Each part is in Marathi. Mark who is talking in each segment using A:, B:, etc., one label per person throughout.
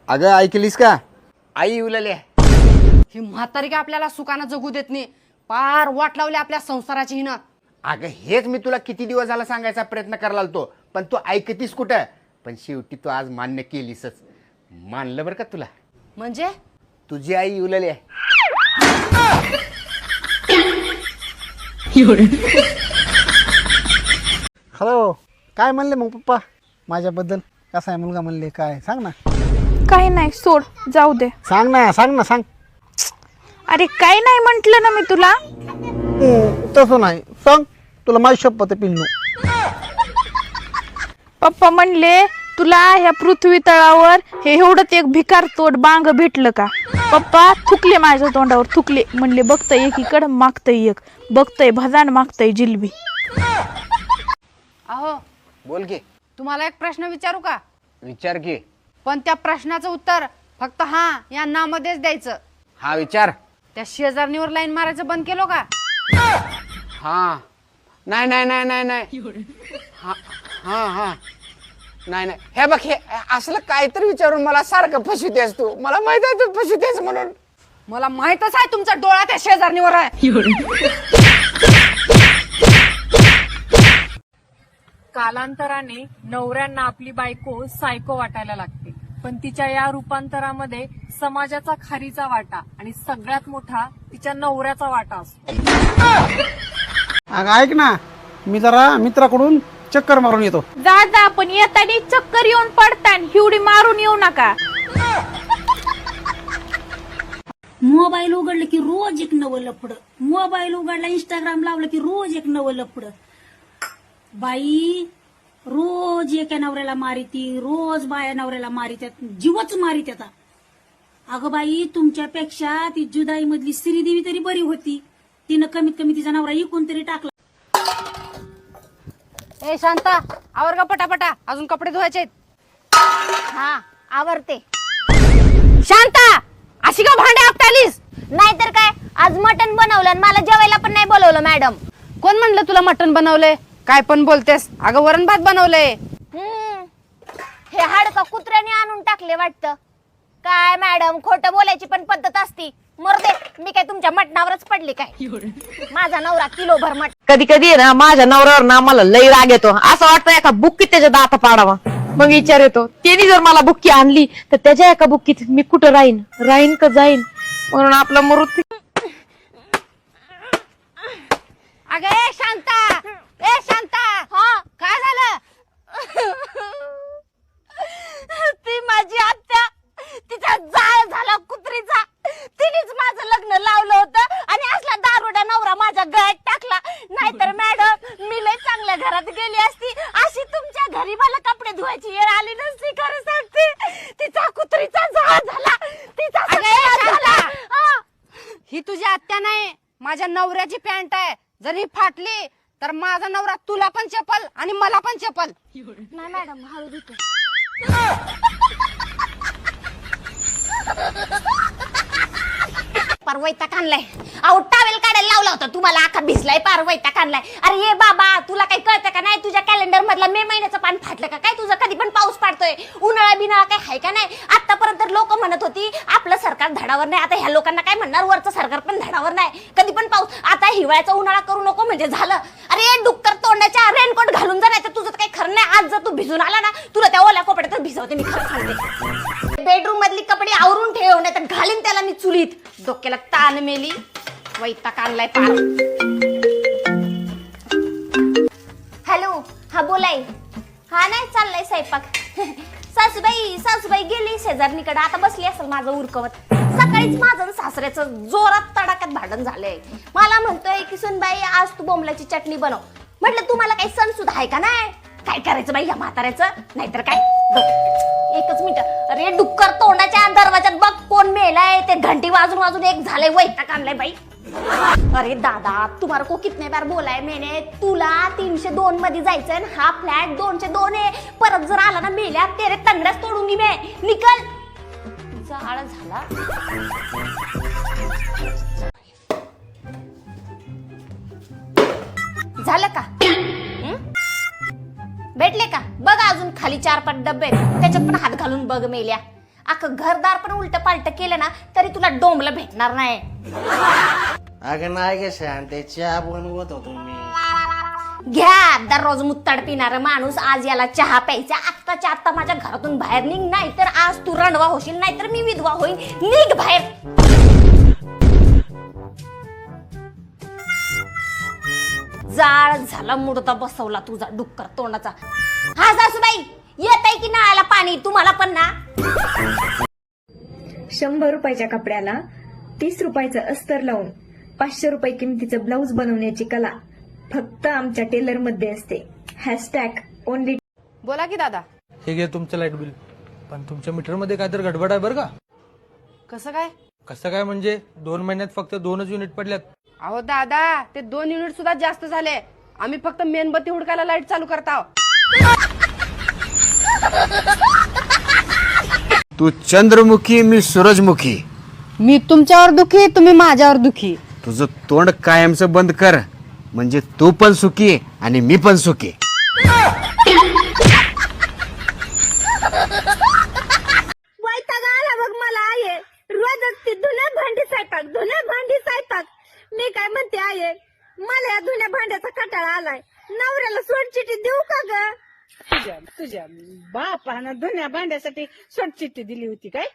A: अगं ऐकलीस का? आई उलले
B: ही म्हातारी का आपल्याला सुखानं जगू देत नाही. पार वाट लावली आपल्या संसाराची हिनं.
A: अगं हेच मी तुला किती दिवस झाला सांगायचा प्रयत्न करायला तो, पण तू ऐकतीस कुठं? पण शेवटी तू आज मान्य केलीसच. मानलं बरं का तुला.
B: म्हणजे
A: तुझी आई उलले आहे.
C: हॅलो, काय म्हणले मग पप्पा माझ्याबद्दल? कसा आहे मुलगा म्हणले? काय सांग ना.
D: काही नाही, सोड, जाऊ दे.
C: सांग ना, सांग ना, सांग.
D: अरे काही नाही म्हंटल ना मी तुला.
C: तसं नाही, सांग. तुला माझी शपथ आहे पिल्लू.
D: पप्पा म्हणले तुला ह्या पृथ्वी तळावर हे एवढंच एक भिकार तोड बांग भेटलं का? पप्पा थुकले माझ्या तोंडावर, थुकले. म्हणले बघतय एकीकडं मागतय एक, बघतय भजान मागतय जिलबी.
B: अहो
A: बोल की.
B: तुम्हाला एक प्रश्न विचारू का?
A: विचार की.
B: पण त्या प्रश्नाचं उत्तर फक्त हा या नामध्येच द्यायचं.
A: हा विचार.
B: त्या शेजारणीवर लाईन मारायचं बंद केलो का?
A: हा नाही नाही नाही नाही नाही हा हा हा नाही नाही. हे बघ, हे असलं काहीतरी विचारून मला सारखं फसवतेस तू. मला माहित आहे तू फसवतेस म्हणून.
B: मला माहितच आहे तुमचा डोळा त्या शेजारणीवर आहे.
E: कालांतराने नवऱ्यांना आपली बायको सायको वाटायला लागते, पण तिच्या या रूपांतरामध्ये समाजाचा खारीचा वाटा आणि सगळ्यात मोठा तिच्या नवऱ्याचा वाटा असतो.
C: अगं ऐक ना, मी जरा मित्राकडून चक्कर मारून येतो.
D: जा जा, पण येतानी चक्कर येऊन पडतान, हिवडी मारून येऊ नका.
F: मोबाईल उघडलं की रोज एक नवं लफडं. मोबाईल उघडला, इंस्टाग्राम लावलं की रोज एक नवं लफडं. बाई रोज एका नवऱ्याला मारिती, रोज बाया नवऱ्याला मारित्यात, जीवच मारित्यात. अगं बाई, तुमच्यापेक्षा ती जुदाई मधली श्रीदेवी तरी बरी होती. तिनं कमीत कमी तिचा नवरा इकून तरी टाकला.
B: ए शांता, आवर का पटापटा, अजून कपडे धुवायचे.
G: हा आवरते.
B: शांता, अशी का भांडे आपटालीस?
G: नाहीतर काय, आज मटण बनवलं आणि मला जेवायला पण नाही बोलवलं मॅडम.
B: कोण म्हणलं तुला मटण बनवलंय? काय पण बोलतेस. अगं वरण भात बनवलंय.
G: हे हाडका कुत्र्याने आणून टाकले वाटतं. काय मॅडम, खोटं बोलायची पण पद्धत असती. मरदे, मी काय तुमच्या मटणावरच पडली काय? माझा नवरा किलोभर मटण.
H: कधी कधी ना माझ्या नवऱ्यावर ना मला लई राग येतो. असं वाटतं एका बुक्कीत त्याच्या दात पाडावा. मग विचार येतो, त्यांनी जर मला बुक्की आणली तर त्याच्या एका बुक्कीत मी कुठं राहीन का जाईन? म्हणून आपला मृत्यू.
B: अगं ए शांता, ए शांता,
G: हा
B: काय झालं?
G: ती माझी आत्या, तिचा जाळ झाला कुत्रीचा. तिनेच माझं लग्न लावलं होतं आणि असला दारुडा नवरा माझ्या गळ्यात टाकला. नाहीतर मॅडम, मी लय चांगल्या घरात गेली असती. अशी तुमच्या घरी मला कपडे धुवायची वेळ आली नसती. खरं सांगते, तिचा कुत्रीचा जाळ झाला, तिचा सगळा झाला.
B: ही तुझी आत्या नाही, माझ्या नवऱ्याची पॅन्ट आहे. जर ही फाटली तर माझा नवरा तुला पण चपल आणि मला पण चपल.
G: नाही मॅडम, हळू धुते. पार वैताग आणलाय. अहो टावेल काढायला लावला होता तुम्हाला, आखा भिजलाय, पार वैताग आणलाय. अरे ये बाबा, तुला काही कळतं का नाही? तुझ्या कॅलेंडर मधला मे महिन्याचं पान फाटलं का काय? तुझं कधी पण पाऊस पाडतोय, उन्हाळा बिनाळा काय हाय का नाही? आतापर्यंत लोक म्हणत होती आपलं सरकार धडावर नाही. आता ह्या लोकांना काय म्हणणार, वरचं सरकार पण धडावर नाही. कधी पण पाऊस. आता हिवाळ्याचा उन्हाळा करू नको म्हणजे झालं. अरे डुक्कर तोंडाच्या रेनकोट घालून जा, नाही तर तुझं काही खरं नाही. आज जर तू भिजून आला ना, तुला त्या ओल्या कपड्यातच भिजवते मी, खरं सांगते. बेडरूम मधली कपडे आवरून ठेव, नाही तर घालीन त्याला मी चुलीत. डोक्याला ताण मेली, वैताग आणलाय पार. हॅलो, हा बोलाय. हा नाही चाललाय स्वयंपाक. सासूबाई गेली शेजारणीकडे, आता बसली असेल माझं उरकवत. सकाळीच माझं सासऱ्याचं जोरात तडाक्यात भांडण झालंय. मला म्हणतोय की सुनबाई आज तू बोंबलाची चटणी बनव. म्हटलं तुम्हाला काही सण सुद्धा आहे का नाही? काय करायचं बाई या म्हाताऱ्याचं, नाहीतर काय. एकच मिनिट. अरे डुक्कर तोंडाच्या दरवाजात बघ कोण मेलाय. ते घंटी वाजून वाजून एक झालंय, वैताग आणलाय बाई. अरे दादा, तुम्हाला को कितने बार बोलाय मैंने, तुला 302 मध्ये जायचंय. हा फ्लॅट 202 आहे. परत जर आला ना मेल्या, तेरे तंगड्याच तोडूंगी मैं. निकल. जाळ झाला. झालं का? भेटले का? बघ अजून खाली 4-5 डब्बे, त्याच्यात पण हात घालून बघ मेल्या. अख्खं घरदार पण उलट पालट केलं ना तरी तुला डोंबलं भेटणार नाही.
I: अगं नाही गे शांते, चहा बनवत होतो मी.
G: घ्या दररोज मुत्ताड पिणारा माणूस आज याला चहा प्यायचा. आत्ताच्या आत्ता माझ्या घरातून बाहेर निघ, नाही तर आज तू रणवा होशील, नाहीतर मी विधवा होईन. निघ बाहेर. जाळ झाला मुडदा बसवला तुझा डुक्कर तोंडाचा. हा सासूबाई येत आहे की नळाला पाणी तुम्हाला पण ना.
J: 100 रुपयाच्या कपड्याला 30 रुपयाचं अस्तर लावून 500 रुपये किमतीचं ब्लाऊज बनवण्याची कला फक्त आमच्या टेलर मध्ये असते. #ओनली.
B: बोला की दादा.
K: हे घे तुमचं लाईट बिल. पण तुमच्या मीटरमध्ये काहीतरी गडबड आहे बरं का.
B: कसं काय?
K: कसं काय म्हणजे 2 महिन्यात फक्त 2च युनिट पडल्यात.
B: अहो दादा, ते 2 युनिट सुद्धा जास्त झाले. आम्ही फक्त मेणबत्ती हुडकायला लाईट चालू करता.
A: तू चंद्रमुखी, मी सूरजमुखी.
B: मी तुमच्यावर दुखी, तुम्ही माझ्यावर दुखी.
A: तुझं तोंड कायमचं बंद कर, म्हणजे तू पण सुखी आणि मी पण सुखी.
F: वैताग आला बघ मला आहे. रोजच ती धुण्या भांडी स्वयंपाक. मी काय म्हणते आहे, मला या धुण्या भांड्याचा कंटाळा आलाय. नवऱ्याला सोडचिठी देऊ का ग? तुझ्या बापानं धुण्या भांड्यासाठी सोडचिठी दिली होती काय?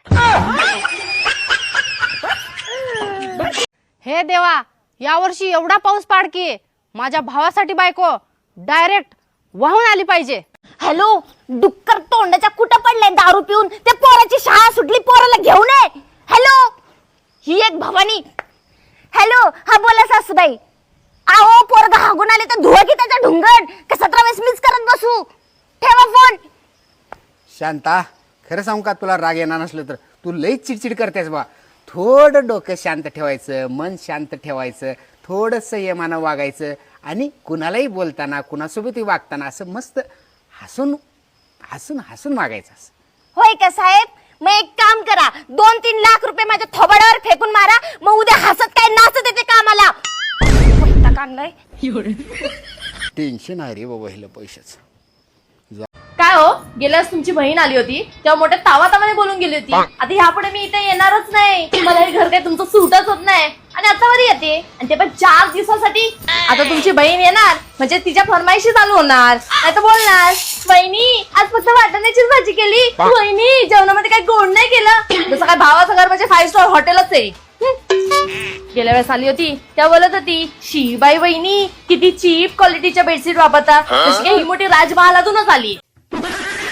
B: हे देवा, यावर्षी एवढा पाऊस पाड की माझ्या भावासाठी बायको डायरेक्ट वाहून आली पाहिजे.
G: हॅलो, डुक्कर तोंडाच्या कुठं पडलंय दारू पिऊन? त्या पोराची शाळा सुटली, पोराला घेऊन ये. हॅलो, ही एक भवानी. हॅलो, हा बोला सासूबाई. आहो पोरगा हागून आले तर धुवा की त्याचा ढुंगण. का 17 वेळेस मीच करत बसू? ठेवा फोन.
A: शांता, खरं सांगू का, तुला राग येणार नसलं तर तू लईच चिडचिड करतेस बा. थोडं डोकं शांत ठेवायचं, मन शांत ठेवायचं, थोडं संयमानं वागायचं आणि कुणालाही बोलताना, कुणासोबतही वागताना असं मस्त हसून हसून हसून वागायचं. असं
G: होय का साहेब? मग एक काम करा, 2-3 लाख रुपये माझ्या थोबाडावर फेकून मारा. मग उद्या हसत काय नाचत येते कामाला. आणलंय
A: टेन्शन आहे रे बाबा हिला पैशाचं.
H: काय हो, गेल्या वेळेस तुमची बहीण आली होती तेव्हा मोठ्या तावातावाने बोलून गेली होती. आता ह्यापुढे मी इथे येणारच नाही, मला हे घर काही तुमचं सूटच होत नाही. आणि आता वर येते, आणि ते पण 4 दिवसासाठी. आता तुमची बहीण येणार म्हणजे तिच्या फरमाईशी चालू होणार, नाही तर बोलणार, वहिनी आज फक्त वाटाण्याचीच भाजी केली, वहिनी जेवणामध्ये काही गोड नाही केलं. जसं काय भावाचं घर म्हणजे 5 स्टार हॉटेलच आहे. गेल्या वेळेस आली होती तेव्हा बोलत होती, शी बाई वहिनी किती चीप क्वालिटीच्या बेडशीट वापरता, जशी काही ही मोठी राजमहालातूनच आली.